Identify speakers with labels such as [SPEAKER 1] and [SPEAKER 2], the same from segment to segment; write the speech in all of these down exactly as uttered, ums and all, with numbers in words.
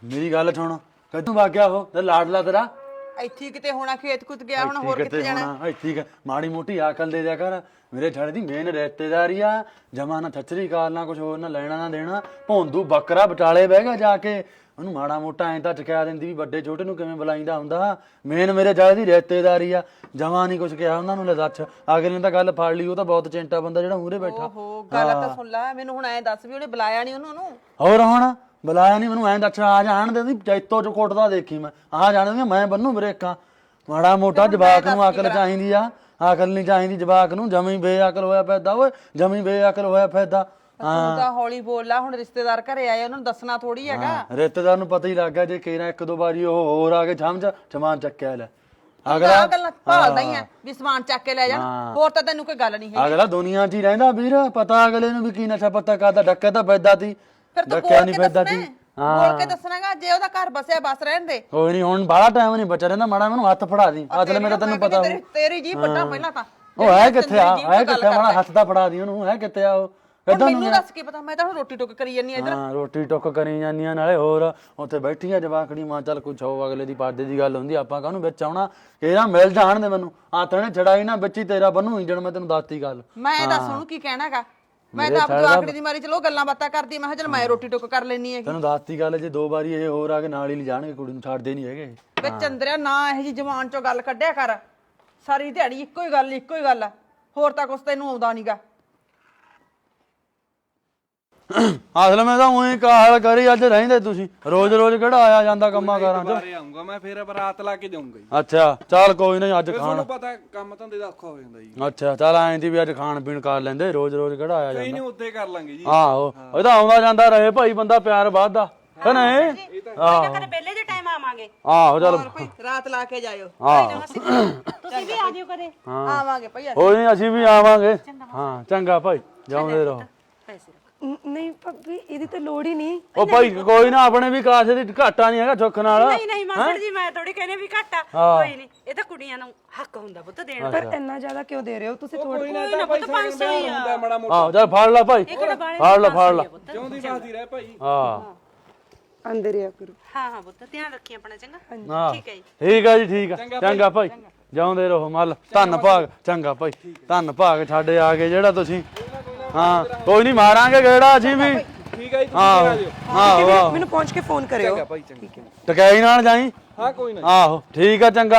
[SPEAKER 1] ਮੇਰੀ ਗੱਲ ਸੁਣ, ਕਦੋਂ ਵਗ ਗਿਆ ਉਹ ਤੇ ਲਾਡਲਾ ਤੇਰਾ?
[SPEAKER 2] ਇੱਥੇ ਕਿਤੇ ਹੋਣਾ, ਖੇਤ ਕੁੱਤ ਗਿਆ ਹੁਣ, ਹੋਰ ਕਿੱਥੇ ਜਾਣਾ?
[SPEAKER 1] ਇੱਥੇ ਮਾੜੀ ਮੋਟੀ ਅਕਲ ਦੇ ਦਿਆ ਕਰ। ਮੇਰੇ ਛੜੇ ਦੀ ਮੇਨ ਰਿਸ਼ਤੇਦਾਰੀ ਆ, ਜਮਾ ਨਾ ਛੱਚਰੀ ਕਾਲ ਨਾ ਕੁਛ ਹੋਰ ਨਾ ਲੈਣਾ ਨਾ ਦੇਣਾ। ਭੌਂਦੂ ਬੱਕਰਾ ਵਿਚਾਲੇ ਬਹਿ ਗਿਆ ਜਾ ਕੇ, ਉਹਨੂੰ ਮਾੜਾ ਮੋਟਾ ਐਂ ਤਾਂ ਚਕਿਆ ਦਿੰਦੀ ਵੀ ਵੱਡੇ ਛੋਟੇ ਨੂੰ ਕਿਵੇਂ ਬੁਲਾਈਦਾ ਹੁੰਦਾ। ਮੇਨ ਮੇਰੇ ਛੜੇ ਦੀ ਰਿਸ਼ਤੇਦਾਰੀ ਆ, ਜਮਾ ਨਹੀਂ ਕੁਛ ਕਿਹਾ ਉਹਨਾਂ ਨੂੰ। ਲੈ ਦੱਸ, ਅਗਲੇ ਨੇ ਤਾਂ ਗੱਲ ਫੜ ਲਈ। ਉਹ ਤਾਂ ਬਹੁਤ ਚਿੰਟਾ ਬੰਦਾ ਜਿਹੜਾ ਮੂਹਰੇ ਬੈਠਾ।
[SPEAKER 2] ਓਹੋ, ਗੱਲ ਤਾਂ ਸੁਣ ਲੈ। ਮੈਨੂੰ ਹੁਣ ਐਂ ਦੱਸ ਵੀ ਉਹਨੇ ਬੁਲਾਇਆ ਨਹੀਂ ਉਹਨੂੰ?
[SPEAKER 1] ਹੋਰ ਹੁਣ ਬੁਲਾਇਆ ਨਹੀਂ ਮੈਨੂੰ, ਐਂ ਦੱਸ ਆ ਜਾਣ ਦੇ। ਜੈਤੋ ਚ ਕੁੱਟਦਾ ਦੇਖੀ ਮੈਂ, ਆ ਜਾਣ ਮੈਂ ਬੰਨੂ ਬਰੇਕਾਂ। ਮਾੜਾ ਮੋਟਾ ਜਵਾਕ ਨੂੰ ਅਕਲ ਚਾਹੀਦੀ ਆ, ਅਕਲ ਨਹੀਂ ਚਾਹੀਦੀ ਜਵਾਕ ਨੂੰ। ਜਮੀ ਬੇਅਕਲ ਹੋਇਆ ਫਿਰਦਾ ਓਏ, ਜਮੀ ਬੇਅਕਲ ਹੋਇਆ ਫਿਰਦਾ।
[SPEAKER 2] ਤੂੰ ਤਾਂ ਹੌਲੀ ਬੋਲ ਲਾ, ਹੁਣ ਰਿਸ਼ਤੇਦਾਰ ਘਰੇ ਆਏ, ਉਹਨਾਂ ਨੂੰ ਦੱਸਣਾ ਥੋੜੀ ਹੈਗਾ।
[SPEAKER 1] ਰਿਸ਼ਤੇਦਾਰ ਨੂੰ ਪਤਾ ਹੀ ਲੱਗ ਗਿਆ ਜੇ ਕੇਰਾ ਇੱਕ ਦੋ ਵਾਰੀ ਉਹ ਹੋਰ ਆ ਕੇ ਸਮਝ ਸਮਾਨ ਚੱਕਿਆ ਲੈ। ਅਗਲਾ
[SPEAKER 2] ਗੱਲਾਂ ਭਾਲਦਾ ਹੀ ਆ ਵੀ ਸਮਾਨ ਚੱਕ ਕੇ ਲੈ ਜਾਣ, ਹੋਰ ਤਾਂ ਤੈਨੂੰ ਕੋਈ ਗੱਲ ਨਹੀਂ ਹੈ।
[SPEAKER 1] ਅਗਲਾ ਦੁਨੀਆ 'ਚ ਹੀ ਰਹਿੰਦਾ ਵੀਰ, ਪਤਾ ਅਗਲੇ ਨੂੰ ਵੀ ਕੀ ਨਸ਼ਾ ਪਤਾ ਕਰਦਾ। ਡੱਕਿਆ ਤਾਂ ਫਿਰਦਾ ਤੀ, ਡੱਕਿਆ ਨਹੀਂ ਫਿਰਦਾ ਤੀ।
[SPEAKER 2] ਬੋਲ ਕੇ ਦੱਸਣਾਗਾ, ਜੇ ਉਹਦਾ ਘਰ ਬਸਿਆ ਬਸ ਰਹਿਣ ਦੇ।
[SPEAKER 1] ਕੋਈ ਨਹੀਂ, ਹੁਣ ਬਾਹਲਾ ਟਾਈਮ ਨਹੀਂ ਬਚਾ ਰਹਿੰਦਾ। ਮਾੜਾ ਮੈਨੂੰ ਹੱਥ ਫੜਾ ਦੀ, ਅਸਲ ਮੇਰਾ ਤੈਨੂੰ ਪਤਾ।
[SPEAKER 2] ਤੇਰੀ ਜੀ ਵੱਡਾ ਪਹਿਲਾਂ ਤਾਂ
[SPEAKER 1] ਉਹ ਹੈ ਕਿੱਥੇ ਆ, ਹੈ ਕਿੱਥੇ? ਮਾੜਾ ਹੱਥ ਦਾ ਫੜਾ ਦੀ ਉਹਨੂੰ, ਹੈ ਕਿੱਥੇ ਆ ਉਹ?
[SPEAKER 2] ਮੈਨੂੰ ਦੱਸ ਕੀ ਪਤਾ, ਮੈਂ ਤਾਂ ਹੁਣ ਰੋਟੀ ਟੁੱਕ ਕਰੀ ਜਾਨੀ ਆ ਇੱਧਰ।
[SPEAKER 1] ਹਾਂ, ਰੋਟੀ ਟੁੱਕ ਕਰੀ ਜਾਂਦੀਆਂ ਨਾਲੇ ਹੋਰ ਉੱਥੇ ਬੈਠੀਆਂ ਜਵਾਕੜੀ। ਮਾਂ ਚੱਲ ਕੁਛ ਹੋ, ਅਗਲੇ ਦੀ ਪਰਦੇ ਦੀ ਗੱਲ ਹੁੰਦੀ, ਆਪਾਂ ਕਾਹਨੂੰ ਵਿੱਚ ਆਉਣਾ। ਕਿਹੜਾ ਮਿਲ ਜਾਣ ਦੇ ਮੈਨੂੰ, ਹੱਥ ਨੇ ਛੜਾਈ ਨਾ ਵਿੱਚ ਹੀ ਤੇਰਾ ਬੰਨੂ ਇੰਜਣ। ਮੈਂ ਤੈਨੂੰ ਦੱਸਤੀ ਗੱਲ।
[SPEAKER 2] ਮੈਂ ਦੱਸ ਉਹਨੂੰ ਕੀ ਕਹਿਣਾਗਾ? ਮੈਂ ਤਾਂ ਆਪ ਜਵਾਕੜੀ ਦੀ ਮਾਰੀ ਚਲੋ ਗੱਲਾਂ ਬਾਤਾਂ ਕਰਦੀ, ਮੈਂ ਕਿਹਾ ਚੱਲ ਮੈਂ ਰੋਟੀ ਟੁੱਕ ਕਰ ਲੈਣੀ ਹੈਗੀ।
[SPEAKER 1] ਤੈਨੂੰ ਦੱਸਤੀ ਗੱਲ, ਜੇ ਦੋ ਵਾਰੀ ਇਹ ਹੋਰ ਆ ਕੇ ਨਾਲ ਹੀ ਲਿਜਾਣਗੇ ਕੁੜੀ ਨੂੰ, ਛੱਡਦੇ ਨਹੀਂ ਹੈਗੇ।
[SPEAKER 2] ਵੇ ਚੰਦਰਿਆ, ਨਾ ਇਹੋ ਜੀ ਜ਼ਬਾਨ ਚੋਂ ਗੱਲ ਕੱਢਿਆ ਕਰ। ਸਾਰੀ ਦਿਹਾੜੀ ਇੱਕੋ ਹੀ ਗੱਲ ਇੱਕੋ ਹੀ ਗੱਲ ਆ, ਹੋਰ ਤਾਂ ਕੁਛ ਤੈਨੂੰ ਆਉਂਦਾ ਨਹੀਂਗਾ।
[SPEAKER 1] ਅਸਲ ਮੈਂ ਤਾਂ ਉਹੀ ਕਾਹਲ ਕਰੀ ਅੱਜ ਰਹਿੰਦੇ ਤੁਸੀਂ। ਰੋਜ਼ ਰੋਜ਼ ਕਿਹੜਾ ਆਇਆ ਜਾਂਦਾ ਕੰਮਾਂ ਕਾਰਾਂ ਚ?
[SPEAKER 3] ਬਾਰੇ ਆਉਂਗਾ ਮੈਂ, ਫੇਰ ਬਰਾਤ ਲਾ ਕੇ ਜਾਊਂਗਾ ਜੀ।
[SPEAKER 1] ਅੱਛਾ ਚੱਲ ਕੋਈ ਨਹੀਂ, ਅੱਜ ਖਾਣ
[SPEAKER 3] ਤੁਹਾਨੂੰ ਪਤਾ ਕੰਮ ਧੰਦੇ ਦਾ ਔਖਾ ਹੋ ਜਾਂਦਾ ਜੀ।
[SPEAKER 1] ਅੱਛਾ ਚੱਲ ਐਂ ਦੀ ਵੀ ਅੱਜ ਖਾਣ ਪੀਣ ਕਰ ਲੈਂਦੇ, ਰੋਜ਼ ਰੋਜ਼ ਕਿਹੜਾ ਆਇਆ
[SPEAKER 3] ਕੋਈ
[SPEAKER 1] ਜਾਂਦਾ।
[SPEAKER 3] ਨਹੀਂ, ਉੱਥੇ ਕਰ ਲਾਂਗੇ ਜੀ।
[SPEAKER 1] ਆਹੋ, ਇਹ ਤਾਂ ਆਉਂਦਾ ਜਾਂਦਾ ਰਹੇ ਭਾਈ, ਬੰਦਾ ਪਿਆਰ ਵੱਧਦਾ ਹੈ ਨਾ। ਇਹ
[SPEAKER 4] ਆਹ ਕਦੇ ਬੇਲੇ ਦੇ ਟਾਈਮ ਆਵਾਂਗੇ।
[SPEAKER 1] ਆਹੋ ਚੱਲ
[SPEAKER 2] ਕੋਈ ਰਾਤ ਲਾ ਕੇ ਜਾਇਓ।
[SPEAKER 1] ਆਹੋ
[SPEAKER 4] ਤੁਸੀਂ ਵੀ ਆ ਜਿਓ ਕਦੇ।
[SPEAKER 2] ਆਵਾਂਗੇ ਭਈ।
[SPEAKER 1] ਕੋਈ ਨਹੀਂ, ਅਸੀਂ ਵੀ ਆਵਾਂਗੇ। ਹਾਂ ਚੰਗਾ ਭਾਈ, ਜਾਉਂਦੇ ਰਹੋ।
[SPEAKER 4] ਪੈਸੇ ਰੱਖ।
[SPEAKER 5] ਨਹੀਂ ਭਾਬੀ, ਇਹਦੀ ਤਾਂ ਲੋੜ ਹੀ ਨਹੀਂ।
[SPEAKER 1] ਉਹ ਭਾਈ ਕੋਈ ਨਾ, ਆਪਣੇ ਵੀ ਕਾਸੇ ਦੀ ਘਾਟਾ ਨਹੀਂ ਹੈਗਾ ਸੁੱਖ ਨਾਲ।
[SPEAKER 4] ਨਹੀਂ ਨਹੀਂ ਮਾਸੜ ਜੀ, ਮੈਂ ਥੋੜੀ ਕਹਿੰਦੇ ਵੀ ਘੱਟ ਆ। ਕੋਈ ਨਹੀਂ, ਇਹ ਤਾਂ ਕੁੜੀਆਂ ਨੂੰ ਹੱਕ ਹੁੰਦਾ ਪੁੱਤ ਦੇਣ ਦਾ।
[SPEAKER 5] ਪਰ ਇੰਨਾ ਜ਼ਿਆਦਾ ਕਿਉਂ ਦੇ ਰਹੇ ਹੋ ਤੁਸੀਂ? ਥੋੜਾ
[SPEAKER 3] ਕੋਈ ਨਾ ਤਾਂ ਪੁੱਤ ਪੰਜ ਸੌ ਹੀ ਆ ਮਾੜਾ ਮੋਟਾ।
[SPEAKER 1] ਆਹੋ ਚੱਲ ਫੜ ਲੈ ਭਾਈ, ਫੜ ਲੈ ਫੜ ਲੈ।
[SPEAKER 3] ਜਿਉਂਦੀ ਬਾਦੀ ਰਹਿ ਭਾਈ।
[SPEAKER 1] ਹਾਂ
[SPEAKER 5] ਅੰਦਰ ਆ ਕਰੋ।
[SPEAKER 4] ਹਾਂ ਹਾਂ ਪੁੱਤ, ਧਿਆਨ ਰੱਖੀ ਆਪਣਾ, ਚੰਗਾ?
[SPEAKER 1] ਹਾਂ
[SPEAKER 4] ਠੀਕ ਹੈ ਜੀ।
[SPEAKER 1] ਠੀਕ ਆ ਜੀ, ਠੀਕ ਆ। ਚੰਗਾ ਭਾਈ, ਜਾਉਂਦੇ ਰਹੋ ਮੱਲ। ਧੰਨ ਭਾਗ। ਚੰਗਾ ਭਾਈ, ਧੰਨ ਭਾਗ ਛੱਡੇ ਆ ਗਏ ਜਿਹੜਾ ਤੁਸੀਂ। ਹਾਂ ਕੋਈ ਨਹੀਂ, ਮਾਰਾਂਗੇ ਗੇੜਾ ਅਸੀਂ ਵੀ।
[SPEAKER 3] ਠੀਕ ਹੈ ਜੀ, ਤੁਸੀਂ
[SPEAKER 1] ਆਹੋ
[SPEAKER 3] ਆ ਜਿਓ।
[SPEAKER 1] ਆਹੋ ਆਹੋ,
[SPEAKER 5] ਮੈਨੂੰ ਪਹੁੰਚ ਕੇ ਫੋਨ ਕਰਿਓ।
[SPEAKER 3] ਚੰਗਾ ਭਾਈ, ਚੰਗਾ।
[SPEAKER 1] ਟਕਾਈ ਨਾਲ ਜਾਈ।
[SPEAKER 3] ਹਾਂ ਕੋਈ ਨਾ।
[SPEAKER 1] ਆਹੋ ਠੀਕ ਆ, ਚੰਗਾ।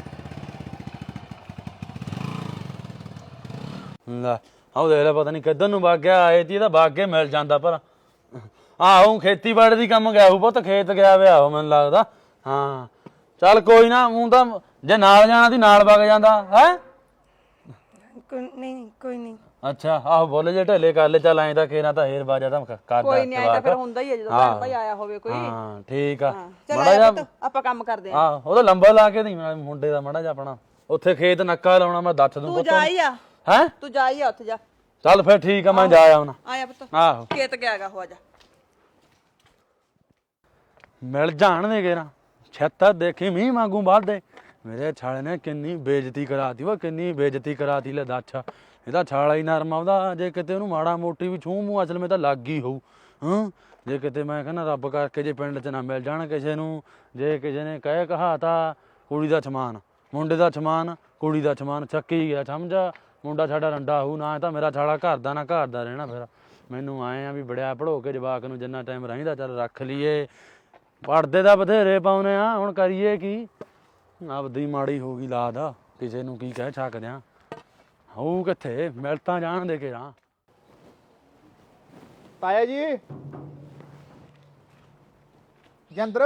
[SPEAKER 1] ਲੈ ਆਹ ਦੇਖ ਲੈ, ਪਤਾ ਨਹੀਂ ਕਿੱਧਰ ਨੂੰ ਵਗ ਗਿਆ। ਆਏ ਤੀ ਇਹਦਾ ਵਗ ਕੇ ਮਿਲ ਜਾਂਦਾ। ਪਰ ਆਹੋ ਖੇਤੀਬਾੜੀ ਦੀ ਕੰਮ ਗਿਆ ਉਹ, ਪੁੱਤ ਖੇਤ ਗਿਆ ਵਿਆ ਉਹ ਮੈਨੂੰ ਲੱਗਦਾ। ਹਾਂ ਚੱਲ ਕੋਈ ਨਾ, ਮੂੰ ਤਾਂ ਜੇ ਨਾਲ ਜਾਣਾ ਸੀ ਨਾਲ ਵਗ ਜਾਂਦਾ ਹੈ।
[SPEAKER 5] ਕੋਈ ਨਹੀਂ, ਕੋਈ ਨਹੀਂ।
[SPEAKER 1] ਅੱਛਾ ਆਹੋ, ਬੋਲੇ ਜੇ ਢੇਲੇ ਕਰ ਲੈ। ਚੱਲ ਐਂ ਤਾਂ ਖੇਰਾ ਤਾਂ ਹੇਰ ਬਾਜਾ ਤਾਂ ਕਰਦਾ।
[SPEAKER 2] ਕੋਈ ਨਹੀਂ, ਆਇਆ ਤਾਂ ਫਿਰ ਹੁੰਦਾ ਹੀ ਹੈ ਜਦੋਂ ਭੈਣ ਭਾਈ ਆਇਆ ਹੋਵੇ ਕੋਈ।
[SPEAKER 1] ਹਾਂ ਠੀਕ ਆ।
[SPEAKER 2] ਚੱਲ
[SPEAKER 1] ਮਾੜਾ
[SPEAKER 2] ਆਇਆ
[SPEAKER 1] ਜਿਹਾ
[SPEAKER 2] ਪੁੱਤ, ਆਪਾਂ ਕੰਮ ਕਰਦੇ ਆਂ।
[SPEAKER 1] ਹਾਂ, ਉਹਦਾ ਲੰਬਾ ਲਾ ਕੇ ਨਹੀਂ ਮੁੰਡੇ ਦਾ ਮਾੜਾ ਜਿਹਾ ਆਪਣਾ ਉੱਥੇ ਖੇਤ ਨੱਕਾ ਲਾਉਣਾ। ਮੈਂ ਦੱਸ ਦੂੰ
[SPEAKER 2] ਤੂੰ ਜਾ ਹੀ ਆ,
[SPEAKER 1] ਹੈ।
[SPEAKER 2] ਤੂੰ ਜਾ ਹੀ ਆ ਉੱਥੇ ਜਾ।
[SPEAKER 1] ਚੱਲ ਫਿਰ ਠੀਕ ਆ, ਮੈਂ ਜਾ ਆਉਣਾ।
[SPEAKER 2] ਆਇਆ ਪੁੱਤ,
[SPEAKER 1] ਆਹੋ
[SPEAKER 2] ਖੇਤ ਗਿਆਗਾ ਹੋ ਜਾ।
[SPEAKER 1] ਮਿਲ ਜਾਣ ਦੇ ਗੇਰਾ ਛੱਤਾ ਦੇਖੀ ਮੀਂਹ ਵਾਂਗੂ ਵੱਧਦੇ। ਮੇਰੇ ਛਾਲੇ ਨੇ ਕਿੰਨੀ ਬੇਇੱਜ਼ਤੀ ਕਰਾਤੀ ਵਾ, ਕਿੰਨੀ ਬੇਇੱਜ਼ਤੀ ਕਰਾਤੀ। ਲੈ ਦੱਸ, ਇਹਦਾ ਛਾਲਾ ਹੀ ਨਰਮ ਆਉਂਦਾ। ਜੇ ਕਿਤੇ ਉਹਨੂੰ ਮਾੜਾ ਮੋਟੀ ਵੀ ਛੂਹ ਮੂੰਹ ਅਸਲ ਮੈਂ ਤਾਂ ਲੱਗ ਹੀ ਹੋਊ। ਹਾਂ ਜੇ ਕਿਤੇ ਮੈਂ ਕਹਿੰਦਾ ਰੱਬ ਕਰਕੇ ਜੇ ਪਿੰਡ 'ਚ ਨਾ ਮਿਲ ਜਾਣ ਕਿਸੇ ਨੂੰ, ਜੇ ਕਿਸੇ ਨੇ ਕਹੇ ਕਹਾਤਾ ਕੁੜੀ ਦਾ ਸਮਾਨ ਮੁੰਡੇ ਦਾ ਸਮਾਨ, ਕੁੜੀ ਦਾ ਸਮਾਨ ਚੱਕੀ ਗਿਆ ਸਮਝਾ। ਮੁੰਡਾ ਸਾਡਾ ਰੰਡਾ ਹੋਊ ਨਾ, ਤਾਂ ਮੇਰਾ ਛਾਲਾ ਘਰ ਦਾ ਨਾ ਘਰ ਦਾ ਰਹਿਣਾ। ਫਿਰ ਮੈਨੂੰ ਆਏ ਆ ਵੀ ਬੜਿਆ ਪੜ੍ਹੋ ਕੇ ਜਵਾਕ ਨੂੰ ਜਿੰਨਾ ਟਾਈਮ ਰਹਿੰਦਾ ਚੱਲ ਰੱਖ ਲਈਏ। ਪੜਦੇ ਦਾ ਬਥੇਰੇ ਪਾਉਨੇ ਆ, ਹੁਣ ਕਰੀਏ ਕੀ? ਆਪਦੀ ਮਾੜੀ ਹੋ ਗਈ ਲਾਦ, ਕਿਸੇ ਨੂੰ ਕੀ ਕਹਿ ਸਕਦੇ ਆ। ਹੋਊ ਕਿੱਥੇ, ਮਿਲ ਤਾਂ ਜਾਣ ਦੇ ਕੇ ਰਾਂ।
[SPEAKER 6] ਤਾਇਆ ਜੀ, ਜੰਦਰ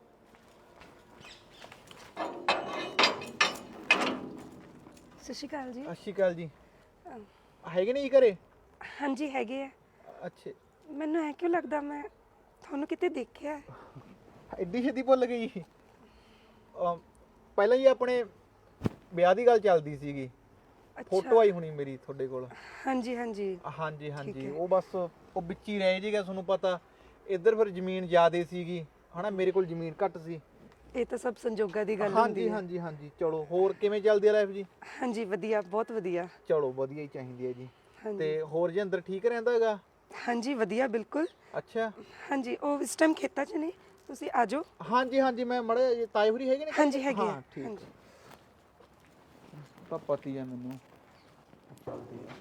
[SPEAKER 5] ਸਤਿ ਸ਼੍ਰੀ ਅਕਾਲ ਜੀ।
[SPEAKER 6] ਸਤਿ ਸ਼੍ਰੀ ਅਕਾਲ ਜੀ। ਹੈਗੇ ਨਹੀਂ ਘਰੇ?
[SPEAKER 5] ਹਾਂਜੀ ਹੈਗੇ ਆ।
[SPEAKER 6] ਅੱਛਾ,
[SPEAKER 5] ਮੈਨੂੰ ਐ ਕਿਉਂ ਲੱਗਦਾ ਮੈਂ ਤੁਹਾਨੂੰ ਕਿਤੇ ਦੇਖਿਆ ਹੈ?
[SPEAKER 6] ਐਡੀ ਛੇਤੀ ਭੁੱਲ ਗਈ? ਅਮ, ਪਹਿਲਾਂ ਹੀ ਆਪਣੇ ਵਿਆਹ ਦੀ ਗੱਲ ਚੱਲਦੀ ਸੀਗੀ। ਫੋਟੋ ਆਈ ਹੋਣੀ ਮੇਰੀ ਤੁਹਾਡੇ ਕੋਲ।
[SPEAKER 5] ਹਾਂਜੀ ਹਾਂਜੀ
[SPEAKER 6] ਹਾਂਜੀ ਹਾਂਜੀ, ਉਹ ਬਸ ਉਹ ਵਿੱਚ ਹੀ ਰਹਿ ਜੇਗਾ। ਤੁਹਾਨੂੰ ਪਤਾ ਇੱਧਰ ਫਿਰ ਜ਼ਮੀਨ ਜ਼ਿਆਦੇ ਸੀਗੀ ਹਨਾ, ਮੇਰੇ ਕੋਲ ਜ਼ਮੀਨ ਘੱਟ ਸੀ।
[SPEAKER 5] ਇਹ ਤਾਂ ਸਭ ਸੰਜੋਗਾਂ ਦੀ ਗੱਲ
[SPEAKER 6] ਹਾਂਜੀ
[SPEAKER 5] ਹੁੰਦੀ ਹੈ।
[SPEAKER 6] ਹਾਂਜੀ ਹਾਂਜੀ। ਚਲੋ ਹੋਰ ਕਿਵੇਂ ਚੱਲਦੀ ਆ ਲਾਈਫ ਜੀ?
[SPEAKER 5] ਹਾਂਜੀ ਵਧੀਆ, ਬਹੁਤ ਵਧੀਆ।
[SPEAKER 6] ਚਲੋ ਵਧੀਆ ਹੀ ਚਾਹੀਦੀ ਹੈ ਜੀ।
[SPEAKER 5] ਹਾਂਜੀ
[SPEAKER 6] ਤੇ ਹੋਰ ਜੀ ਅੰਦਰ ਠੀਕ ਰਹਿੰਦਾ ਹੈਗਾ?
[SPEAKER 5] ਹਾਂਜੀ ਵਧੀਆ ਬਿਲਕੁਲ।
[SPEAKER 6] ਅੱਛਾ
[SPEAKER 5] ਹਾਂਜੀ ਉਹ ਇਸ ਟਾਈਮ ਖੇਤਾਂ 'ਚ ਨੇ, ਤੁਸੀਂ ਆ ਜਾਓ।
[SPEAKER 6] ਹਾਂਜੀ ਹਾਂਜੀ ਮੈਂ ਮੜੇ ਤਾਏ ਹੋਰੀ ਹੈਗੇ ਨੇ
[SPEAKER 5] ਹਾਂਜੀ ਹੈਗੇ ਆ।
[SPEAKER 6] ਹਾਂ ਠੀਕ
[SPEAKER 5] ਹਾਂਜੀ
[SPEAKER 6] ਤਾਂ ਪਤੀ ਆ ਮੈਨੂੰ ਚੱਲਦੀ ਆ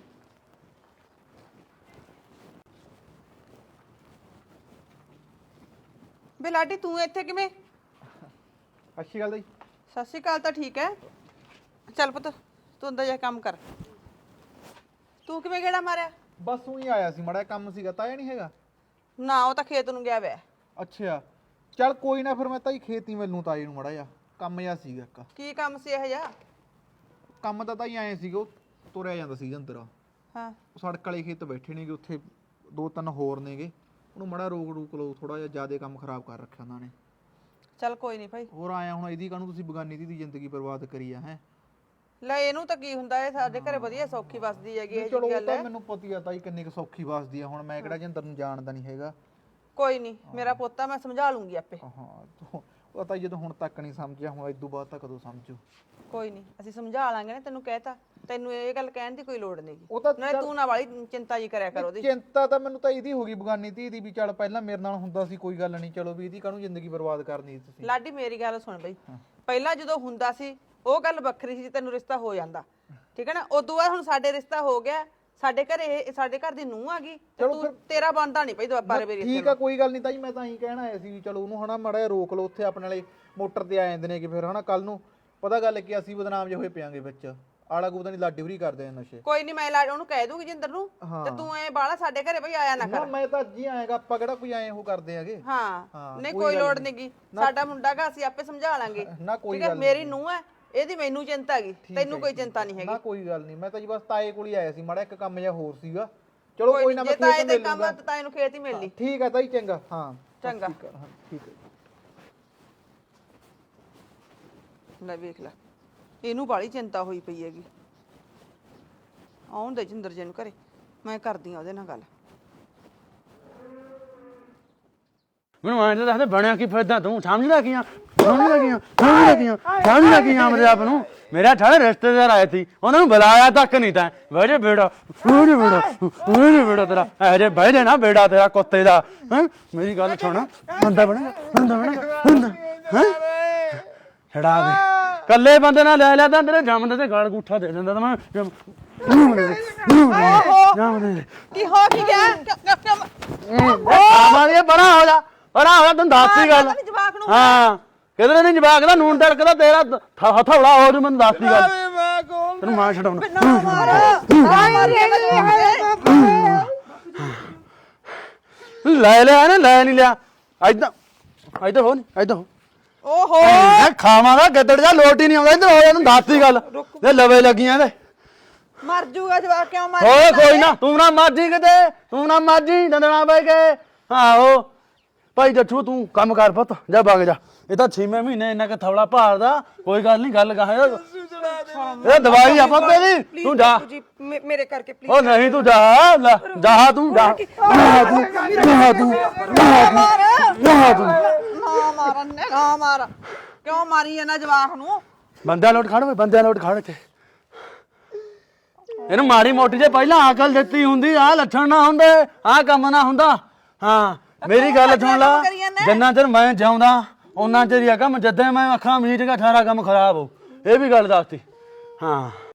[SPEAKER 2] ਬੇ ਲਾਡੀ ਤੂੰ ਇੱਥੇ ਕਿਵੇਂ?
[SPEAKER 6] ਅੱਛੀ ਗੱਲ ਜੀ
[SPEAKER 2] ਸਤਿ ਸ਼੍ਰੀ ਅਕਾਲ ਤਾਂ ਠੀਕ ਹੈ। ਚੱਲ ਪੁੱਤ ਤੂੰ ਅੰਦਰ ਜਾ ਕੇ ਕੰਮ ਕਰ। ਤੂੰ ਕਿਵੇਂ ਗੇੜਾ ਮਾਰਿਆ?
[SPEAKER 6] ਬਸ ਉਹੀ ਆਇਆ ਸੀ ਮੜਾ ਕੰਮ ਸੀਗਾ ਤਾਇਆ ਨਹੀਂ ਹੈਗਾ।
[SPEAKER 2] ਨਾ ਉਹ ਤਾਂ ਖੇਤ ਨੂੰ ਗਿਆ ਵੈ।
[SPEAKER 6] ਅੱਛਾ ਚੱਲ ਕੋਈ ਨਾ ਫਿਰ ਮੈਂ ਤਾਂ ਹੀ ਖੇਤੀ ਮੈਨੂੰ ਤਾਏ ਨੂੰ ਮੜਾ ਜਾ ਕੰਮ ਜਿਹਾ ਸੀਗਾ ਇੱਕ
[SPEAKER 2] ਕੀ ਕੰਮ ਸੀ ਇਹ ਜਿਹਾ?
[SPEAKER 6] ਕੰਮ ਤਾਂ ਤਾਂ ਹੀ ਆਏ ਸੀਗੇ ਉਹ ਤੁਰਿਆ ਜਾਂਦਾ ਸੀ ਅੰਦਰ
[SPEAKER 2] ਹਾਂ
[SPEAKER 6] ਉਹ ਸੜਕ ਵਾਲੇ ਖੇਤ ਬੈਠੇ ਨੇਗੇ ਉੱਥੇ ਦੋ ਤਿੰਨ ਹੋਰ ਨੇਗੇ ਉਹਨੂੰ ਮੜਾ ਰੋਕ ਰੂਕ ਲਓ ਥੋੜਾ ਜਿਹਾ ਜ਼ਿਆਦਾ ਕੰਮ ਖਰਾਬ ਕਰ ਰੱਖਿਆ ਉਹਨਾਂ ਨੇ।
[SPEAKER 2] ਚੱਲ ਕੋਈ ਨਹੀਂ ਭਾਈ।
[SPEAKER 6] ਹੋਰ ਆਇਆ ਹੁਣ ਇਹਦੀ ਕਾਹਨੂੰ ਤੁਸੀਂ ਬਗਾਨੀ ਦੀ ਜ਼ਿੰਦਗੀ ਬਰਬਾਦ ਕਰੀ ਆ ਹੈ।
[SPEAKER 2] ਲੈ ਇਹਨੂੰ ਤਾਂ ਕੀ ਹੁੰਦਾ ਇਹ ਸਾਡੇ ਘਰੇ ਵਧੀਆ ਸੌਖੀ ਵਸਦੀ ਹੈਗੀ ਇਹ
[SPEAKER 6] ਚਲੋ
[SPEAKER 2] ਜਿਹੀ
[SPEAKER 6] ਉਹ
[SPEAKER 2] ਗੱਲ
[SPEAKER 6] ਤਾਂ
[SPEAKER 2] ਹੈ।
[SPEAKER 6] ਮੈਨੂੰ ਪਤੀ ਆ ਤਾਈ ਕਿੰਨੀ ਕੁ ਸੌਖੀ ਵਸਦੀ ਆ ਹੁਣ ਮੈਂ ਕਿਹੜਾ ਜਿੰਦਰ ਨੂੰ ਜਾਣਦਾ ਨਹੀਂ ਹੈਗਾ।
[SPEAKER 2] ਕੋਈ ਨਹੀਂ ਮੇਰਾ ਪੋਤਾ ਮੈਂ ਸਮਝਾ ਲੂੰਗੀ ਆਪੇ।
[SPEAKER 6] ਹਾਂ ਤੂੰ- ਉਹ ਤਾਂ ਜਦੋਂ ਹੁਣ ਤੱਕ ਨਹੀਂ ਸਮਝਿਆ ਹੁਣ ਇਦੋਂ ਬਾਅਦ ਤਾਂ ਕਦੋਂ ਸਮਝੂ।
[SPEAKER 2] ਕੋਈ ਨਹੀਂ ਅਸੀਂ ਸਮਝਾ ਲਾਂਗੇ ਨਾ ਤੈਨੂੰ ਕਹਿਤਾ। ਤੈਨੂੰ ਇਹ ਗੱਲ ਕਹਿਣ ਦੀ ਕੋਈ ਲੋੜ ਨਹੀਂ।
[SPEAKER 6] ਉਹ ਤਾਂ
[SPEAKER 2] ਨਾ ਤੂੰ ਨਾ ਵਾਲੀ ਚਿੰਤਾ ਜੀ ਕਰਿਆ ਕਰ ਉਹਦੀ।
[SPEAKER 6] ਚਿੰਤਾ ਤਾਂ ਮੈਨੂੰ ਤਾਂ ਇਹਦੀ ਹੋ ਗਈ ਬਗਾਨੀ ਧੀ ਦੀ ਵੀ ਚੱਲ ਪਹਿਲਾਂ ਮੇਰੇ ਨਾਲ ਹੁੰਦਾ ਸੀ ਕੋਈ ਗੱਲ ਨਹੀਂ ਚਲੋ ਵੀ ਇਹਦੀ ਕਾਹਨੂੰ ਜ਼ਿੰਦਗੀ ਬਰਬਾਦ ਕਰਨੀ ਤੁਸੀਂ।
[SPEAKER 2] ਲਾਡੀ ਮੇਰੀ ਗੱਲ ਸੁਣ ਬਈ ਪਹਿਲਾਂ ਜਦੋਂ ਹੁੰਦਾ ਸੀ ਉਹ ਗੱਲ ਵੱਖਰੀ ਸੀ ਤੈਨੂੰ ਰਿਸ਼ਤਾ ਹੋ ਜਾਂਦਾ ਠੀਕ ਹੈ ਨਾ। ਉਦੋਂ ਬਾਅਦ ਹੁਣ ਸਾਡੇ ਰਿਸ਼ਤਾ ਹੋ ਗਿਆ ਸਾਡੇ ਘਰੇ ਇਹ ਸਾਡੇ ਘਰ ਦੀ ਨੂੰਹ ਆ ਗਈ ਤੇ ਤੂੰ ਤੇਰਾ ਬਣਦਾ ਨਹੀਂ ਪਈ ਦੁਬਾਰੇ ਮੇਰੀ
[SPEAKER 6] ਠੀਕ ਆ ਕੋਈ ਗੱਲ ਨਹੀਂ ਤਾਈ ਮੈਂ ਤਾਂ ਇਹੀ ਕਹਿਣਾ ਆਇਆ ਸੀ ਵੀ ਚਲੋ ਉਹਨੂੰ ਹਨਾ ਮਾੜਾ ਜਿਹਾ ਰੋਕ ਲਓ ਉੱਥੇ ਆਪਣੇ ਵਾਲੇ ਮੋਟਰ ਤੇ ਆ ਜਾਂਦੇ ਨੇ ਕਿ ਫਿਰ ਹਨਾ ਕੱਲ ਨੂੰ ਪਤਾ ਗੱਲ ਕਿ ਅਸੀਂ ਬਦਨਾਮ ਜੇ ਹੋਏ ਪਿਆਂਗੇ ਵਿੱਚ ਆਲਾ ਗੂਦਾ ਨਹੀਂ ਲਾਡੀ ਹੋਰੀ ਕਰਦੇ ਆ ਨਸ਼ੇ।
[SPEAKER 2] ਕੋਈ ਨਹੀਂ ਮੈਂ ਲਾਡ ਉਹਨੂੰ ਕਹਿ ਦੂੰਗੀ ਜਿੰਦਰ ਨੂੰ ਤੇ ਤੂੰ ਐ ਬਾਲਾ ਸਾਡੇ ਘਰੇ ਬਈ ਆਇਆ ਨਾ
[SPEAKER 6] ਨਾ
[SPEAKER 2] ਕਰ।
[SPEAKER 6] ਮੈਂ ਤਾਂ ਅੱਜ ਹੀ ਆਏਗਾ ਆਪਾਂ ਕਿਹੜਾ ਕੋਈ ਆਏ ਉਹ ਕਰਦੇ ਹੈਗੇ।
[SPEAKER 2] ਹਾਂ ਨਹੀਂ ਕੋਈ ਲੋੜ ਨਹੀਂਗੀ ਸਾਡਾ ਮੁੰਡਾ ਗਾ ਅਸੀਂ ਆਪੇ ਸਮਝਾ ਲਾਂਗੇ।
[SPEAKER 6] ਨਾ ਕੋਈ
[SPEAKER 2] ਠੀਕ ਹੈ ਮੇਰੀ ਨੂੰਹ ਹੈ ਇਹਦੀ ਮੈਨੂੰ ਚਿੰਤਾ ਹੈਗੀ ਤੈਨੂੰ ਕੋਈ ਚਿੰਤਾ ਨਹੀਂ ਹੈਗੀ।
[SPEAKER 6] ਨਾ ਕੋਈ ਗੱਲ ਨਹੀਂ ਮੈਂ ਤਾਂ ਜੀ ਬਸ ਤਾਏ ਕੋਲ ਹੀ ਆਇਆ ਸੀ ਮਾੜਾ ਇੱਕ ਕੰਮ ਜਿਹਾ ਹੋਰ ਸੀਗਾ। ਚਲੋ ਕੋਈ ਨਾ
[SPEAKER 2] ਜੇ
[SPEAKER 6] ਮੈਂ
[SPEAKER 2] ਤਾਏ
[SPEAKER 6] ਖੇਤ
[SPEAKER 2] ਦੇ
[SPEAKER 6] ਮਿਲ
[SPEAKER 2] ਕੰਮ
[SPEAKER 6] ਲੂੰਗਾ।
[SPEAKER 2] ਆ ਤਾਂ ਤਾਏ ਨੂੰ ਖੇਤ ਹੀ ਮਿਲ ਲਈ।
[SPEAKER 6] ਠੀਕ ਹੈ ਤਾਈ ਚੰਗਾ ਹਾਂ
[SPEAKER 2] ਚੰਗਾ
[SPEAKER 6] ਠੀਕ ਹੈ ਹਾਂ, ਠੀਕ ਹੈ।
[SPEAKER 2] ਲੈ ਵੇਖ ਲੈ ਇਹਨੂੰ ਬਾਲੀ ਚਿੰਤਾ ਹੋਈ ਪਈ ਹੈਗੀ। ਆਉਣ ਦੇ ਜਿੰਦਰ ਜੀ ਨੂੰ ਘਰੇ ਮੈਂ ਕਰਦੀ ਆ ਉਹਦੇ ਨਾਲ ਗੱਲ।
[SPEAKER 1] ਮੈਨੂੰ ਐਂ ਤਾਂ ਦੱਸ ਦੇ ਬਣਿਆ ਕੀ ਫਿਰਦਾ ਤੂੰ ਸਮਝਦਾ ਕੀ ਆ ਸਮਝਦਾ ਕੀ ਆ ਸਮਝਦਾ ਕੀ ਆ ਸਮਝਦਾ ਕੀ ਆ ਮੇਰੇ ਆਪ ਨੂੰ। ਮੇਰਾ ਠਾਲੇ ਰਿਸ਼ਤੇਦਾਰ ਆਏ ਸੀ ਉਹਨਾਂ ਨੂੰ ਬੁਲਾਇਆ ਤੱਕ ਨਹੀਂ ਤਾਂ ਬਹਿ ਬੇੜਾ ਬਹਿ ਬੇੜਾ ਬਹਿ ਬੇੜਾ ਤੇਰਾ ਇਹ ਜੇ ਬਹਿ ਜੇ ਨਾ ਬੇੜਾ ਤੇਰਾ ਕੁੱਤੇ ਦਾ ਹੈ। ਮੇਰੀ ਗੱਲ ਸੁਣ ਬੰਦਾ ਬਣਾ ਬੰਦਾ ਬਣਾ ਬੰਦਾ ਹੈ ਛੜਾ ਦੇ ਕੱਲੇ ਬੰਦੇ ਨਾਲ ਲੈ ਲਿਆ ਤਾਂ ਤੇਰੇ ਜੰਮਦੇ ਤੇ ਗਾਲ ਗੂਠਾ ਦੇ ਦਿੰਦਾ ਤਾਂ ਮੈਂ ਜੰਮ
[SPEAKER 2] ਕੀ ਹੋ ਕੀ ਗਿਆ?
[SPEAKER 1] ਆਵਾਂਗੇ ਬੜਾ ਹੋ ਜਾ ਬੜਾ ਹੋ ਜਾ ਤੈਨੂੰ ਦੱਸਦੀ ਗੱਲ
[SPEAKER 2] ਜਵਾਕ ਨੂੰ
[SPEAKER 1] ਹਾਂ ਕਿਧਰੇ ਨਹੀਂ ਜਵਾਕ ਦਾ ਨੂਨ ਤੜਕਦਾ ਤੇਰਾ ਹਥੌੜਾ ਹੋ ਜੂ ਮੈਨੂੰ ਦੱਸਦੀ ਗੱਲ ਤੈਨੂੰ ਮਾਰ ਛਡਾਉਣਾ ਲੈ ਲਿਆ ਨਾ ਲੈ ਨਹੀਂ ਲਿਆ ਐਦਾਂ ਐਦਾਂ ਹੋ ਨਹੀਂ ਐਦਾਂ ਹੋ
[SPEAKER 2] ਓਹੋ
[SPEAKER 1] ਮੈਂ ਖਾਵਾਂਗਾ ਗੱਦੜ ਜਾ ਲੋਟ ਹੀ ਨਹੀਂ ਆਉਂਦਾ ਇੱਧਰ ਹੋ ਜਾ ਤੈਨੂੰ ਦੱਸਦੀ ਗੱਲ ਤੇ ਲਵੇ ਲੱਗੀਆਂ ਇਹਦੇ
[SPEAKER 2] ਮਰ ਜੂਗਾ ਜਵਾਕ ਕਿਉਂ ਮਰ
[SPEAKER 1] ਓਏ ਕੋਈ ਨਾ ਤੂੰ ਨਾ ਮਾਜੀ ਕਿਤੇ ਤੂੰ ਨਾ ਮਾਜੀ ਦੰਦਣਾ ਬੈ ਕੇ ਆਹੋ ਭਾਈ ਜੱਠੂ ਤੂੰ ਕੰਮ ਕਰ ਪੁੱਤ ਜਾ ਵਗ ਜਾ ਇਹ ਤਾਂ ਛੇਵੇਂ ਮਹੀਨੇ ਇੰਨਾ ਕਿ ਥੌਲਾ ਭਾਰਦਾ ਕੋਈ ਗੱਲ ਨਹੀਂ ਗੱਲ ਕਹਾਂ ਇਹ ਦਵਾਈ ਆ ਪੁੱਤੇ ਦੀ ਤੂੰ ਜਾ
[SPEAKER 5] ਜੀ ਮੇ- ਮੇਰੇ ਕਰਕੇ ਪਲੀਜ਼।
[SPEAKER 1] ਉਹ ਨਹੀਂ ਤੂੰ ਜਾ ਲੈ, ਜਾ ਤੂੰ ਜਾ ਜਾ ਤੂੰ ਜਾ ਤੂੰ ਜਾ ਤੂੰ
[SPEAKER 2] ਨਾ ਮਾਰਨ ਨੇ ਨਾ ਮਾਰ ਕਿਉਂ ਮਾਰੀ ਇਹਨਾਂ ਜਵਾਕ ਨੂੰ?
[SPEAKER 1] ਬੰਦਿਆਂ ਲੋਟ ਖੜ ਓਏ ਬੰਦਿਆਂ ਲੋਟ ਖੜ ਇੱਥੇ ਇਹਨੂੰ ਮਾੜੀ ਮੋਟੀ ਜੇ ਪਹਿਲਾਂ ਅਕਲ ਦਿੱਤੀ ਹੁੰਦੀ ਆ ਲੱਛਣ ਨਾ ਹੁੰਦੇ ਆ ਕੰਮ ਨਾ ਹੁੰਦਾ। ਹਾਂ ਮੇਰੀ ਗੱਲ ਸੁਣ ਲਾ ਜਿੰਨਾ ਚਿਰ ਮੈਂ ਜਿਉਂਦਾ ਉਹਨਾਂ ਚਿਰ ਹੀ ਆ ਕੰਮ ਜਦੇ ਮੈਂ ਅੱਖਾਂ ਮੀਚ ਕੇ ਸਾਰਾ ਕੰਮ ਖਰਾਬ ਹੋ ਇਹ ਵੀ ਗੱਲ ਦੱਸਤੀ ਹਾਂ।